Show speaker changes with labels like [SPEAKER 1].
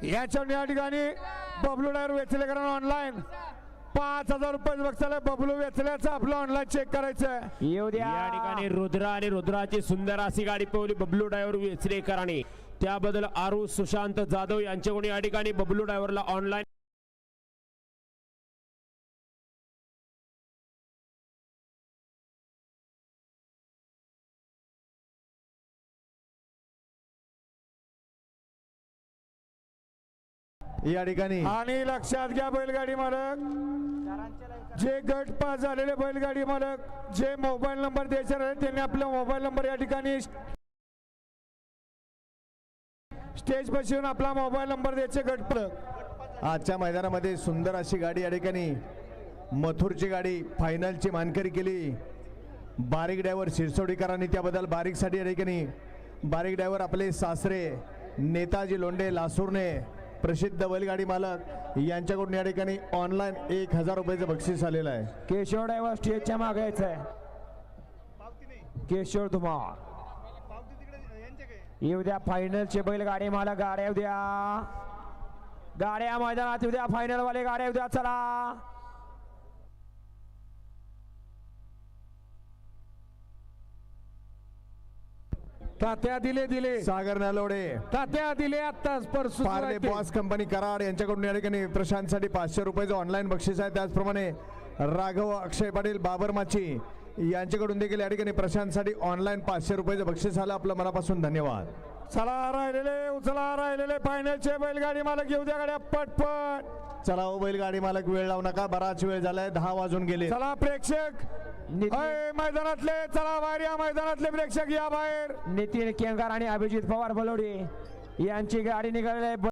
[SPEAKER 1] या ठिकाणी Bablu driver वेचलेकरांना online 5000 रुपये बक्षीस. बबलू वेचल्याचं आपलं ऑनलाईन चेक करायचं.
[SPEAKER 2] या ठिकाणी रुद्रा आणि रुद्राची सुंदर अशी गाडी पळवली बबलू ड्रायव्हर वेचलेकरांनी. त्याबद्दल आरू सुशांत जाधव यांच्याकडून या ठिकाणी बबलू ड्रायव्हरला ऑनलाईन
[SPEAKER 3] या ठिकाणी.
[SPEAKER 1] आणि लक्षात घ्या बैलगाडी मालक, जे गट पास झालेले बैलगाडी मालक जे मोबाईल नंबर द्यायचे आहेत त्यांनी आपला मोबाईल नंबर या ठिकाणी स्टेज पाशी येऊन आपला मोबाईल नंबर द्यायचे. गट पालक
[SPEAKER 3] आजच्या मैदानामध्ये सुंदर अशी गाडी या ठिकाणी मथुरची गाडी फायनलची मानकरी केली बारीक ड्रायव्हर शिरसोडीकरांनी. त्याबद्दल बारीकसाठी या ठिकाणी बारीक ड्रायव्हर आपले सासरे नेताजी लोंढे लासूरने प्रसिद्ध बैलगाडी मालक यांच्याकडून या ठिकाणी ऑनलाईन 1000 रुपयाचं बक्षीस आलेलं आहे.
[SPEAKER 2] केशव ड्रायव्हर स्टेजच्या मागे यायचंय. केशव धुमाळ येऊ द्या फायनलचे बैलगाडी मालक. गाड्या येऊ द्या, गाड्या मैदानात येऊ द्या, फायनल वाले गाड्या येऊ द्या. चला
[SPEAKER 1] तात्या दिले
[SPEAKER 3] सागर नलोडे
[SPEAKER 1] तात्या दिले आत्ताच परसू
[SPEAKER 3] पार्ले बॉस कंपनी कराड यांच्याकडून या ठिकाणी प्रशांतसाठी 500 रुपयाचं ऑनलाईन बक्षीस आहे. त्याचप्रमाणे राघव अक्षय पाटील बाबर माची यांच्याकडून देखील या ठिकाणी प्रशांतसाठी ऑनलाईन 500 रुपयाचं बक्षीस आलं. आपलं मनापासून धन्यवाद.
[SPEAKER 1] चला राहिलेले फायनलचे बैलगाडी मालक येऊ द्या गाड्या पटपट.
[SPEAKER 3] चला हो बैलगाडी मालक, वेळ लावू नका, बराच वेळ झालाय, 10 वाजून गेले.
[SPEAKER 1] चला प्रेक्षक मैदानातले, चला बाहेर या, मैदानातले प्रेक्षक या बाहेर.
[SPEAKER 2] नितीन केंगार आणि अभिजित पवार बलोडी यांची गाडी निघालेली आहे.